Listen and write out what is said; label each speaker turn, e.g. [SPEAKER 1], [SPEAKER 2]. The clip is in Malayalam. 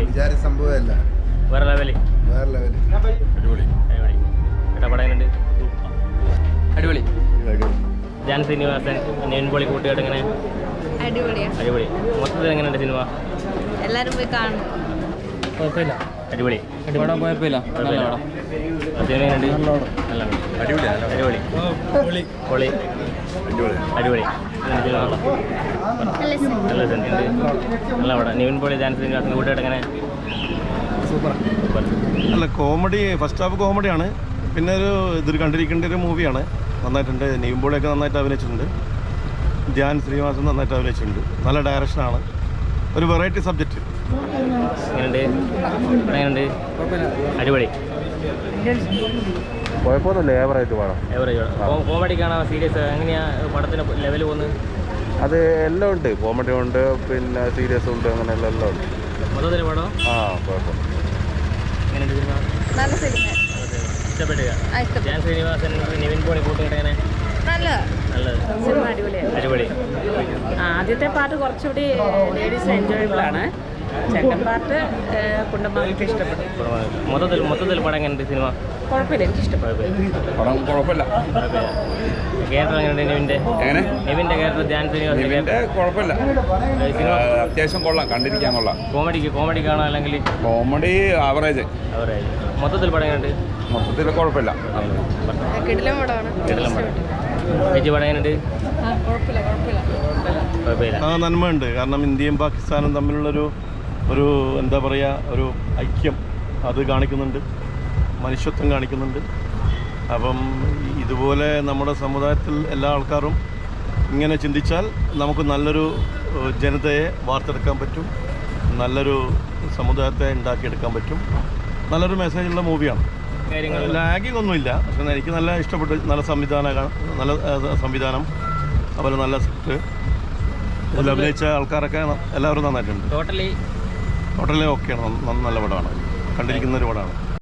[SPEAKER 1] വിചാരിച്ച സംഭവമല്ല.
[SPEAKER 2] വേറെ ലെവല്.
[SPEAKER 3] അടിപൊളി.
[SPEAKER 2] പടങ്ങളുണ്ട്.
[SPEAKER 4] അടിപൊളി.
[SPEAKER 2] ജാൻ ശ്രീനിവാസൻ നിവിൻ പോളി കൂട്ടുകെട്ട് എങ്ങനെ? അടിപൊളി. മൊത്തത്തിൽ എങ്ങനെയുണ്ട് സിനിമ?
[SPEAKER 5] എല്ലാരും പോയി കാണും.
[SPEAKER 4] കുഴപ്പമില്ല.
[SPEAKER 2] അടിപൊളി.
[SPEAKER 4] പടം കുഴപ്പമില്ല. നല്ല പടം.
[SPEAKER 2] സിനിമ എങ്ങനെയുണ്ട്? നല്ല
[SPEAKER 3] അടിപൊളി.
[SPEAKER 2] അടിപൊളി. നല്ല സിനിമ. നല്ല പടം. നിവിൻ പോളി ജാൻ ശ്രീനിവാസൻ കൂട്ടുകെട്ട് എങ്ങനെ?
[SPEAKER 4] സൂപ്പർ.
[SPEAKER 6] അല്ല, കോമഡി, ഫസ്റ്റ് ഹാഫ് കോമഡിയാണ്. പിന്നെ ഇതൊരു കണ്ടിരിക്കേണ്ട ഒരു മൂവിയാണ്. നന്നായിട്ടുണ്ട്. നിവിൻ പോളിയൊക്കെ നന്നായിട്ട് അഭിനയിച്ചിട്ടുണ്ട്. ധ്യാൻ ശ്രീനിവാസൻ നന്നായിട്ട് അഭിനയിച്ചിട്ടുണ്ട്. നല്ല ഡയറക്ഷനാണ്. ഒരു വെറൈറ്റി സബ്ജക്റ്റ്.
[SPEAKER 2] എങ്ങനെയുണ്ട്? അടിപൊളി.
[SPEAKER 3] കുഴപ്പമൊന്നുമില്ല, ഏവറേജ് പടം.
[SPEAKER 2] കോമഡി കാണാൻ സീരിയസ് എങ്ങനെയാ പടത്തിന് ലെവൽ പോകുന്നത്?
[SPEAKER 3] അത് എല്ലാം ഉണ്ട്. കോമഡി ഉണ്ട്, പിന്നെ സീരിയസ് ഉണ്ട്, അങ്ങനെയുള്ള എല്ലാം ഉണ്ട്.
[SPEAKER 2] മൊത്തത്തിൽ പടം
[SPEAKER 3] കുഴപ്പം.
[SPEAKER 2] എങ്ങനെയുണ്ട് സിനിമ?
[SPEAKER 5] നല്ല സിനിമ.
[SPEAKER 2] ഇഷ്ടപ്പെട്ടു. ജാൻ ശ്രീനിവാസൻ നിവിൻ പോളി കൂട്ടുകെട്ട് എങ്ങനെ? നല്ലത്.
[SPEAKER 7] സിനിമ അടിപൊളിയാണ്.
[SPEAKER 2] അടിപൊളി.
[SPEAKER 7] ആദ്യത്തെ പാട്ട് കുറച്ചുകൂടി ലേഡീസ് എൻജോയബിൾ ആണ്. സെക്കൻഡ് പാർട്ട് കുണ്ടന്മാർക്ക് ഇഷ്ടപ്പെട്ടു.
[SPEAKER 2] മൊത്തത്തിൽ പടം എങ്ങനെയുണ്ട് സിനിമ?
[SPEAKER 7] കുഴപ്പമില്ല, എനിക്ക് ഇഷ്ടപ്പെട്ടു.
[SPEAKER 3] പടം കുഴപ്പമില്ല.
[SPEAKER 2] ക്യാരക്ടർ എങ്ങനെയുണ്ട് നിവിൻ്റെ ക്യാരക്ടർ? ധ്യാൻ ശ്രീനിവാസൻ
[SPEAKER 3] കുഴപ്പമില്ല. അത്യാവശ്യം കൊള്ളാം, കണ്ടിരിക്കാൻ കൊള്ളാം.
[SPEAKER 2] കോമഡി കാണാം അല്ലെങ്കിൽ
[SPEAKER 3] കോമഡി ആവറേജ്.
[SPEAKER 2] മൊത്തത്തിൽ പടം എങ്ങനെയുണ്ട്?
[SPEAKER 3] മൊത്തത്തിൽ കുഴപ്പമില്ല.
[SPEAKER 5] കിടിലം പടമാണ്.
[SPEAKER 2] ചേച്ചി പടം എങ്ങനെയുണ്ട്? കുഴപ്പമില്ല.
[SPEAKER 6] ആ, നന്മയുണ്ട്. കാരണം ഇന്ത്യയും പാകിസ്ഥാനും തമ്മിലുള്ളൊരു എന്താ പറയുക, ഒരു ഐക്യം അത് കാണിക്കുന്നുണ്ട്. മനുഷ്യത്വം കാണിക്കുന്നുണ്ട്. അപ്പം ഇതുപോലെ നമ്മുടെ സമുദായത്തിൽ എല്ലാ ആൾക്കാരും ഇങ്ങനെ ചിന്തിച്ചാൽ നമുക്ക് നല്ലൊരു ജനതയെ വാർത്തെടുക്കാൻ പറ്റും. നല്ലൊരു സമുദായത്തെ ഉണ്ടാക്കിയെടുക്കാൻ പറ്റും. നല്ലൊരു മെസ്സേജുള്ള മൂവിയാണ്. ലാഗിങ് ഒന്നുമില്ല. പക്ഷെ എനിക്ക് നല്ല ഇഷ്ടപ്പെട്ടു. നല്ല സംവിധാനം, അതുപോലെ നല്ല സ്ക്രിപ്റ്റ്, അതിൽ അഭിനയിച്ച ആൾക്കാരൊക്കെ എല്ലാവരും നന്നായിട്ടുണ്ട്.
[SPEAKER 2] ടോട്ടലി
[SPEAKER 6] ഓക്കെയാണ്. നല്ല പടമാണ്. കണ്ടിരിക്കുന്ന ഒരു പടമാണ്.